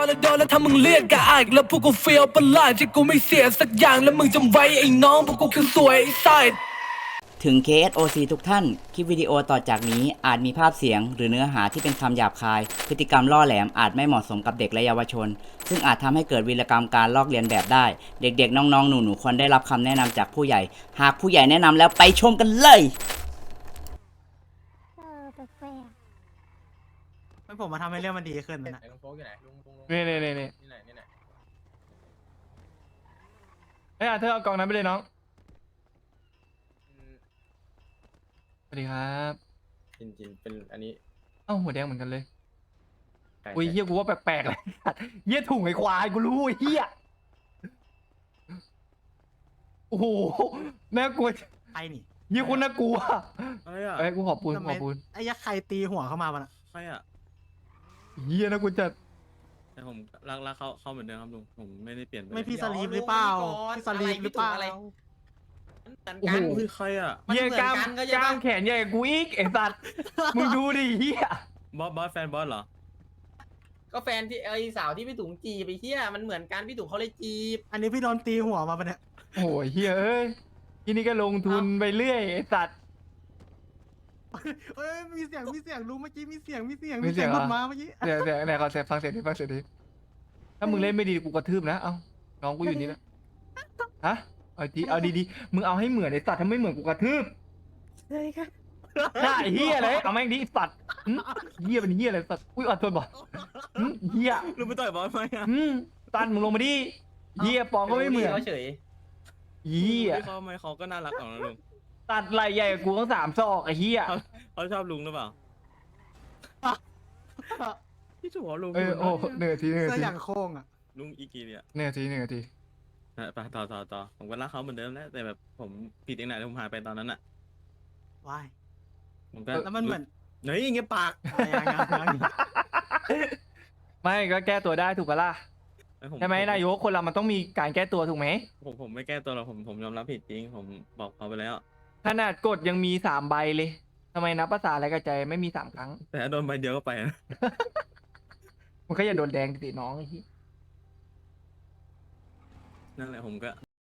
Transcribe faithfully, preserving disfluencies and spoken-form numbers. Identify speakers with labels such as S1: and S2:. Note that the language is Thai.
S1: นแล้วโดนแล้วถ้ามึงเรียกกะอายแล้วพวกกูเฟียวประหลาดที่กูไม่เสียสักอย่างแล้วมึงจำไว้ไอ้น้องพวกกูคือสวยไอ้ไซด์
S2: ถึง เค เอส โอ ซี ทุกท่าน คลิปวิดีโอต่อจากนี้อาจมีภาพเสียงหรือเนื้อหาที่เป็นคำหยาบคาย พฤติกรรมล่อแหลมอาจไม่เหมาะสมกับเด็กและเยาวชน ซึ่งอาจทำให้เกิดวีรกรรมการลอกเลียนแบบได้ เด็กๆ น้องๆ หนูๆ ควรได้รับคำแนะนำจากผู้ใหญ่ หากผู้ใหญ่แนะนำแล้วไปชมกันเลย
S3: เออแปลก
S4: ไม่ผมมาทำให้เรื่องมันดีขึ้นนะ
S5: ลุงโฟกอยู่ไหนลุงลุงลุง
S6: นี่นี่นี่นี่
S5: นี่ไหนนี่ไหน
S6: เอ้ยอ่ะเธอเอากล่องนั้นไปเลยน้อง
S5: อืม
S6: สวัสดีครับ
S5: จินจินเป็นอันนี้
S6: เอ้าหัวแดงเหมือนกันเลย
S5: ไก่
S6: อุ้ย
S5: ไก่
S6: เฮียกูว่าแปลกๆเลยเฮียถุงไอ้ควายกูรู้ไอ้เฮียโอ้โหน่ากลัว
S4: ไอ้นี่
S6: เฮียคนน่ากลัว
S5: อะไรอ่ะ
S6: เอ้ยกูขอปูน
S4: ทำ
S6: ข
S4: ไม
S6: อปูน
S4: ไอ้ยักษ์ใครตีหัวเข้ามาบ้างอะ
S5: ใครอ่ะ
S6: เฮียน่ากลัวจัด
S5: แต่ผมรักรักเขาเขาเหมือนเดิมครับลุงผมไม่ได้เปลี่ยนป
S4: ไม่พี่
S5: เลย
S4: สลีปหรือเปล่าพี่สลีปหรือเปล่า
S6: โอ้โห
S5: เฮ้ยใครอ่ะ
S6: เฮียกล้ามกล้ามแขนใหญ่กว่ากูอีกไอ้สัตว์มึงดูดิเฮีย
S5: บอสบอสแฟนบอสเหรอ
S7: ก็แฟนที่ไอสาวที่พี่ถุงจีบไปเที่ยมันเหมือนกันพี่ถุงเขาเลยจีบ
S4: อันนี้พี่โดนตีหัวมาปะเนี่ย
S6: โอ้ยเฮียเอ้ยทีนี้ก็ลงทุนไปเรื่อยไอ้สัตว์
S4: เอ้ยมีเสียงมีเสียงรู้เมื่อกี้มีเสียงมีเสียง
S6: มี
S4: มี
S6: เสี
S4: เสี
S6: ย
S4: ย
S6: ง
S4: ง
S6: เหรอ
S4: หลุดมาเมื่อกี้
S6: เดี๋ยวเดี๋ยวไหนขอเสียงฟังเสียงดิฟังเสียงดิถ้ามึงเล่นไม่ดีกูกระทืบนะเอ้าน้องกูอยู่นี่นะฮะเอาดีเอาดีๆมึงเอาให้เหมือนไอ้สัตว์ถ้าไม่เหมือนกูกระทืบ
S3: ๆเลยค่ะ
S6: ใช่เฮียเลยเอาแม่งดิไอ้สัตว์หึเฮียเป็นเฮียอะไรสัตว์อุ้ยอัดตัวบ่หึเฮีย
S5: ลุงไปต่อยบอสไหมอ่ะ
S6: หึตันมึงลงมาดิเฮียปองก็ไม่เหมือน
S7: เขาเฉย
S6: เฮีย
S5: พี่เขาไหมเขาก็น่ารักของนะลุง
S6: ตัดไหลใหญ่กว่ากูทั้งสามซอกไอ้เฮีย
S5: เขาเขาชอบลุงหรือเปล่าพี่ถูกลุง
S6: เออโอ้เหนื่อยทีเหนื่อย
S4: เสื้อ
S6: ที
S4: อย่างโค้งอ่ะ
S5: ลุงอีกีเนี่ย
S6: เหนื่อยทีเหนื่อยที
S5: อ่ะไปต่อต่อต่อผมก็รักเขาเหมือนเดิมแหละแต่แบบผมผิดเองไหนที่ผมหายไปตอนนั้นอ่ะ
S4: ว้าย
S5: ผมก็
S4: แล้วมันเหมือน
S5: เฮ้ยอย่างเงี้ยปาก
S4: อะไรอย่างเงี้ยอย่างเงี้ย
S6: ไม่ก็แก้ตัวได้ถูกปะล่ะ
S5: ผ
S6: ใช่ไหมนายกคนเรามันต้องมีการแก้ตัวถูกไหม
S5: ผมผมไม่แก้ตัวหรอกผมผมยอมรับผิดจริง ผมบอกเขาไปแล้ว
S6: ขนาดกดยังมีสามใบเลยทำไมนับภาษาอะไรกระใจไม่มีสามครั้ง
S5: แต่ถ้าโดนใบเดียวก็ไปนะ
S6: มันก็อย่าโดนแดงติน้องไอ้ที่
S5: นั่นแหละผมก็